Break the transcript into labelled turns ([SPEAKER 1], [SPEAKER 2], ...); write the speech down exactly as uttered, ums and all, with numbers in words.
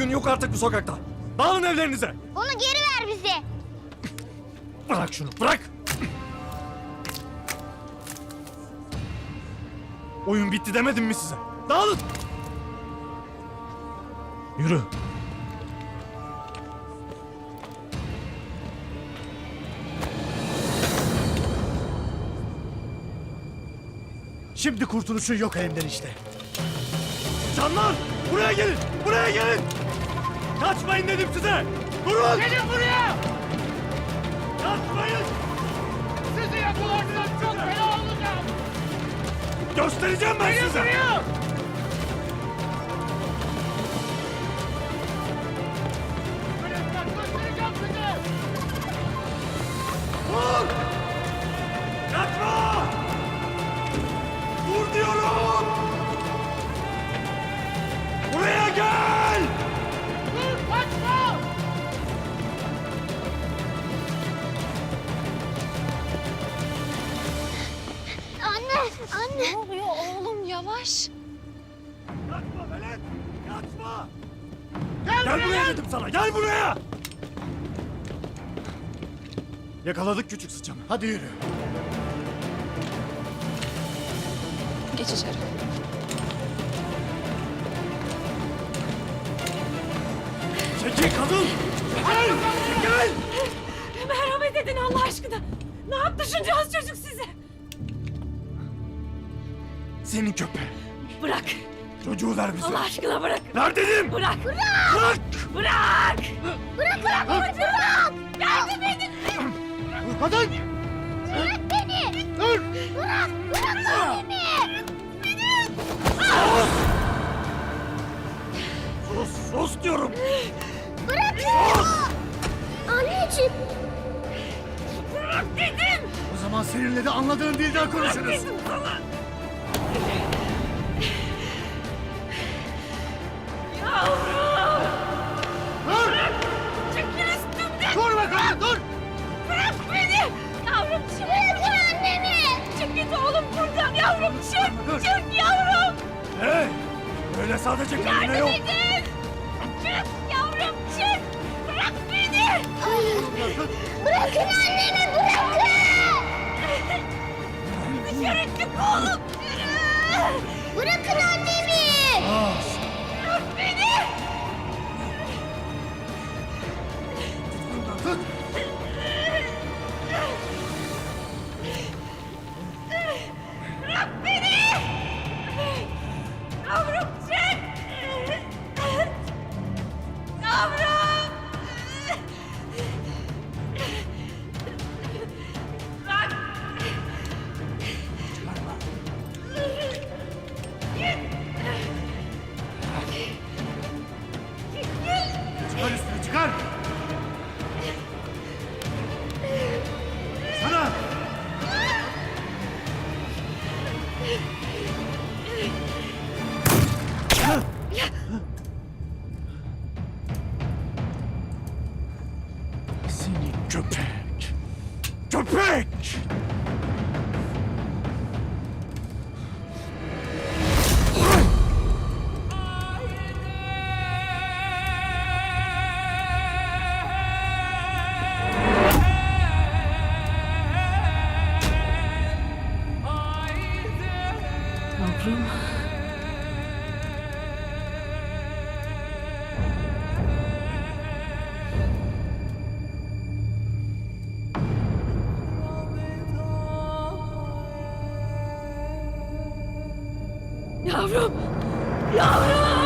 [SPEAKER 1] oyun yok artık bu sokakta. Dağılın evlerinize.
[SPEAKER 2] Onu geri ver bize.
[SPEAKER 1] Bırak şunu, bırak. Oyun bitti demedim mi size? Dağılın. Yürü.
[SPEAKER 3] Şimdi kurtuluşun yok elimden işte.
[SPEAKER 1] Canlar! Buraya gelin! Buraya gelin! Kaçmayın dedim size! Durun!
[SPEAKER 4] Gelin buraya!
[SPEAKER 1] Kaçmayın!
[SPEAKER 4] Sizi yakalarsanız çok fena olacağım!
[SPEAKER 1] Göstereceğim ben
[SPEAKER 4] Gelin
[SPEAKER 1] size!
[SPEAKER 4] buraya! Öğretmen göstereceğim size!
[SPEAKER 1] Dur! Kaçma! Dur diyorum! Buraya gel!
[SPEAKER 4] Dur kaçma!
[SPEAKER 2] Anne, anne.
[SPEAKER 5] Ne oluyor oğlum yavaş.
[SPEAKER 1] Kaçma Velet! Kaçma!
[SPEAKER 4] Gel,
[SPEAKER 1] Gel
[SPEAKER 4] buraya!
[SPEAKER 1] buraya dedim sana! Gel buraya! Yakaladık küçük sıçanı.
[SPEAKER 3] Hadi yürü.
[SPEAKER 5] Geç içeri.
[SPEAKER 1] Çekil kadın! Gel! Gel!
[SPEAKER 5] Merhamet edin Allah aşkına. Ne yaptı şuncağız çocuk size?
[SPEAKER 1] Senin köpeğin.
[SPEAKER 5] Bırak.
[SPEAKER 1] Çocuğu ver bize.
[SPEAKER 5] Allah aşkına bırak.
[SPEAKER 1] Ver dedim!
[SPEAKER 5] Bırak.
[SPEAKER 1] Bırak!
[SPEAKER 5] Bırak.
[SPEAKER 2] Bırak, bırak, bırak, bırak.
[SPEAKER 5] Yardım edin.
[SPEAKER 3] Kadın!
[SPEAKER 2] Bırak beni.
[SPEAKER 3] Dur!
[SPEAKER 2] Bırak, bırak annemi.
[SPEAKER 1] Sus! Sus diyorum!
[SPEAKER 2] Bırak. Anneciğim.
[SPEAKER 5] Bırak dedim.
[SPEAKER 3] O zaman seninle de anladığın dilden konuşuruz.
[SPEAKER 5] Dedim sana. Yavrum.
[SPEAKER 3] Dur!
[SPEAKER 5] Çekil üstümden.
[SPEAKER 3] Dur bakalım dur!
[SPEAKER 5] Bırak beni. Yavrum çık.
[SPEAKER 2] Bırakın annemi.
[SPEAKER 5] Çık git oğlum buradan. Yavrum çık.
[SPEAKER 3] Dur.
[SPEAKER 5] Çık yavrum.
[SPEAKER 1] Hey! Öyle sadece kendine
[SPEAKER 5] Yardım
[SPEAKER 1] yok.
[SPEAKER 5] edin. Çık yavrum çık. Bırak beni.
[SPEAKER 2] Bırakın annemi, bırakın.
[SPEAKER 5] Dışarı çık oğlum. Yürü.
[SPEAKER 2] Bırakın annemi.
[SPEAKER 5] Bırak beni.
[SPEAKER 3] Tut!
[SPEAKER 5] Bırak beni. Yavrum çık. Yavrum. Bırak.
[SPEAKER 3] Çıkar üstünü çıkar! Sana!
[SPEAKER 1] Seni köpek! Köpek!
[SPEAKER 5] Yavrum. Yavrum. Yavrum.